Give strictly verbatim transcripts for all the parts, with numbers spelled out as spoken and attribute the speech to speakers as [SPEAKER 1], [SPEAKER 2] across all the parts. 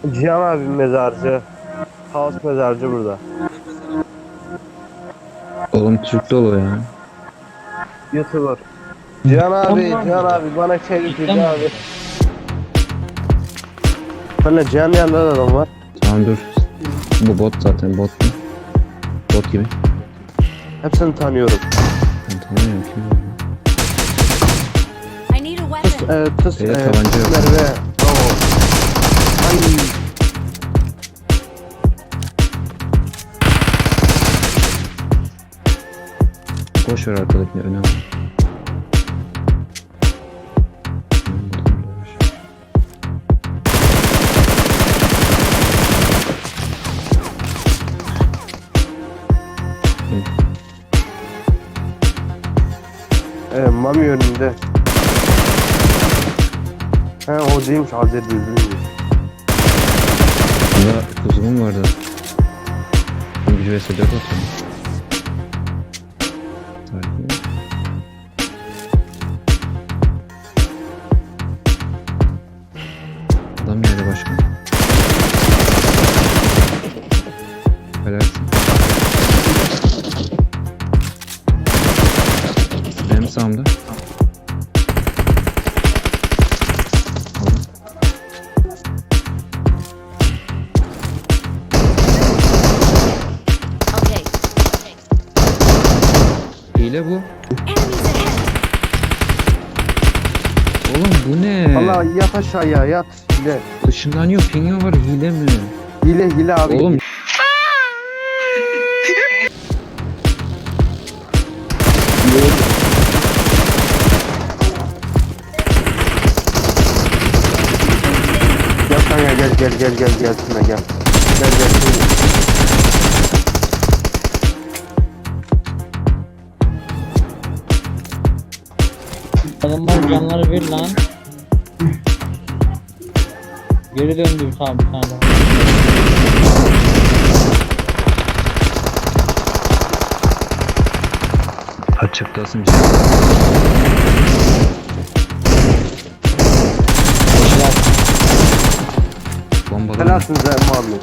[SPEAKER 1] Cihan abi mezarcı. Kaos mezarcı burada.
[SPEAKER 2] Oğlum Türk dolu ya.
[SPEAKER 1] YouTuber. Cihan abi,
[SPEAKER 3] Tamam.
[SPEAKER 1] Cihan abi bana çevir
[SPEAKER 3] Cidden
[SPEAKER 1] Cihan
[SPEAKER 3] mi?
[SPEAKER 1] abi. Bana Cihan yanında da adam var.
[SPEAKER 2] Tamam dur. Bu bot zaten bot mu? Bot gibi.
[SPEAKER 1] Hepsini tanıyorum.
[SPEAKER 2] Ben tanımıyorum kim bu?
[SPEAKER 4] I need a
[SPEAKER 1] Tıs,
[SPEAKER 4] weapon.
[SPEAKER 1] e, tıs,
[SPEAKER 2] Beyler,
[SPEAKER 1] e,
[SPEAKER 2] tabanca yok.
[SPEAKER 1] Merve. Bravo. Ay.
[SPEAKER 2] Boş ver arkadakini önemli.
[SPEAKER 1] E, Mami önünde. He o değilmiş Hazreti Düzgün'müş.
[SPEAKER 2] Bunda kuzumum vardı. Bir vs dört atıyorum. Harika. Adam nerede başka? Helalsin. Benim sağımda. Aldım.
[SPEAKER 4] Okay.
[SPEAKER 2] Hile bu.
[SPEAKER 4] Enemies ahead.
[SPEAKER 2] Oğlum bu ne?
[SPEAKER 1] Valla yat aşağıya yat. Hile.
[SPEAKER 2] Işınlanıyor, pingi var, hile mi?
[SPEAKER 1] Hile hile abi.
[SPEAKER 2] Oğlum
[SPEAKER 1] Gel kanka gel gel gel gel gel şuna gel. Gel gel.
[SPEAKER 3] Adamlar canları bir lan. Geri döndü bir tane bir tane daha.
[SPEAKER 2] açıklasın.
[SPEAKER 3] Koşular.
[SPEAKER 2] Bombalama.
[SPEAKER 1] Helalsiniz ha Muhammed.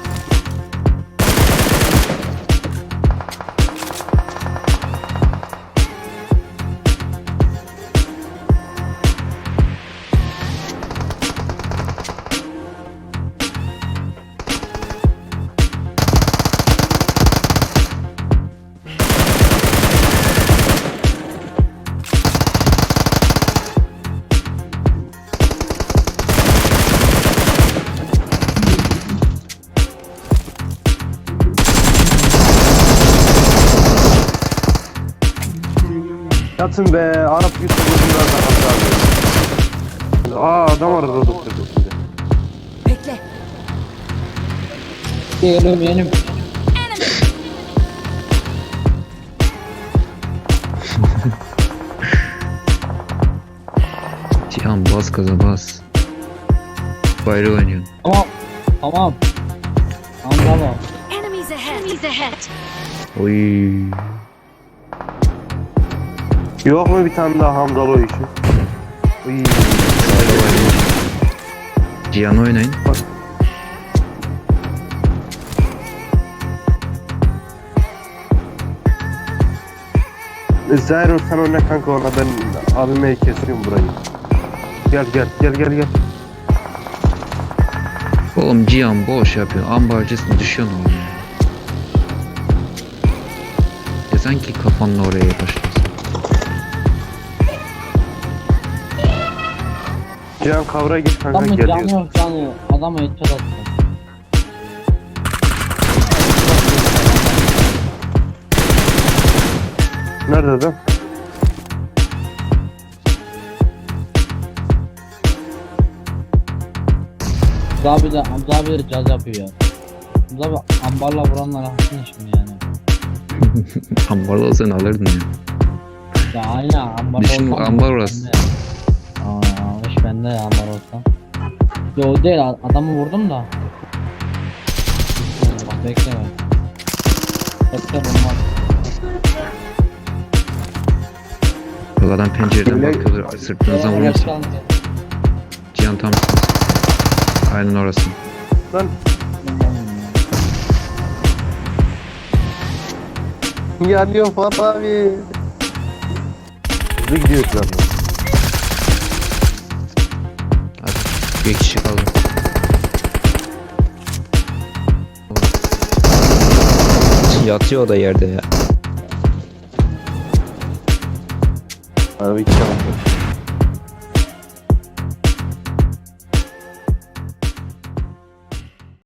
[SPEAKER 1] Yatın be Arap YouTuber'lar da hata alıyor. Aa adam arada doktor şimdi.
[SPEAKER 4] Bekle.
[SPEAKER 3] Yenim yenim.
[SPEAKER 4] Enemy.
[SPEAKER 2] Cihan bas gaza bas. Bayrağı oynuyorsun.
[SPEAKER 3] Tamam. Tamam. Anlama.
[SPEAKER 4] Enemies ahead. Enemies ahead.
[SPEAKER 2] Oy.
[SPEAKER 1] Yok mu bir tane daha Hamdalı o işi? Uy.
[SPEAKER 2] Cihan oynayın.
[SPEAKER 1] Zahir sen oyna kanka ona ben abime kesiyorum burayı. Gel gel gel gel gel.
[SPEAKER 2] Oğlum Cihan boş yapıyor. Ambarcısın düşüyorsun oğlum ya. Ya sanki kafanla oraya başlasın.
[SPEAKER 1] Cihan kavra git kanka
[SPEAKER 3] Adamın
[SPEAKER 1] geliyor.
[SPEAKER 3] canı yok canı yok. Adama headshot attı.
[SPEAKER 1] Nerede adam?
[SPEAKER 3] Hamza abi de Hamza abi de caz yapıyor ya. Hamza abi ambarla vuranlar hakkın şimdi yani.
[SPEAKER 2] Ambarda olsan alırdın ya.
[SPEAKER 3] Ya aynen ambar
[SPEAKER 2] Düşün,
[SPEAKER 3] olsam-
[SPEAKER 2] ambar orası.
[SPEAKER 3] Aa iş bende ya ambar olsa. Yo o değil adamı vurdum da. Bak bekleme. Bekle bomba.
[SPEAKER 2] Bak adam pencereden
[SPEAKER 1] Öyle-
[SPEAKER 2] bakıyordur. Sırtınızdan
[SPEAKER 3] Gel,
[SPEAKER 2] vurmasın.
[SPEAKER 3] gel, gel.
[SPEAKER 2] Cihan tam. Aynen orası.
[SPEAKER 1] Lan yanıyor Fuat abi. Hızlı gidiyor şu anda.
[SPEAKER 2] Hadi bir kişi kaldı. Yatıyor o da yerde ya.
[SPEAKER 1] Araba iki tane.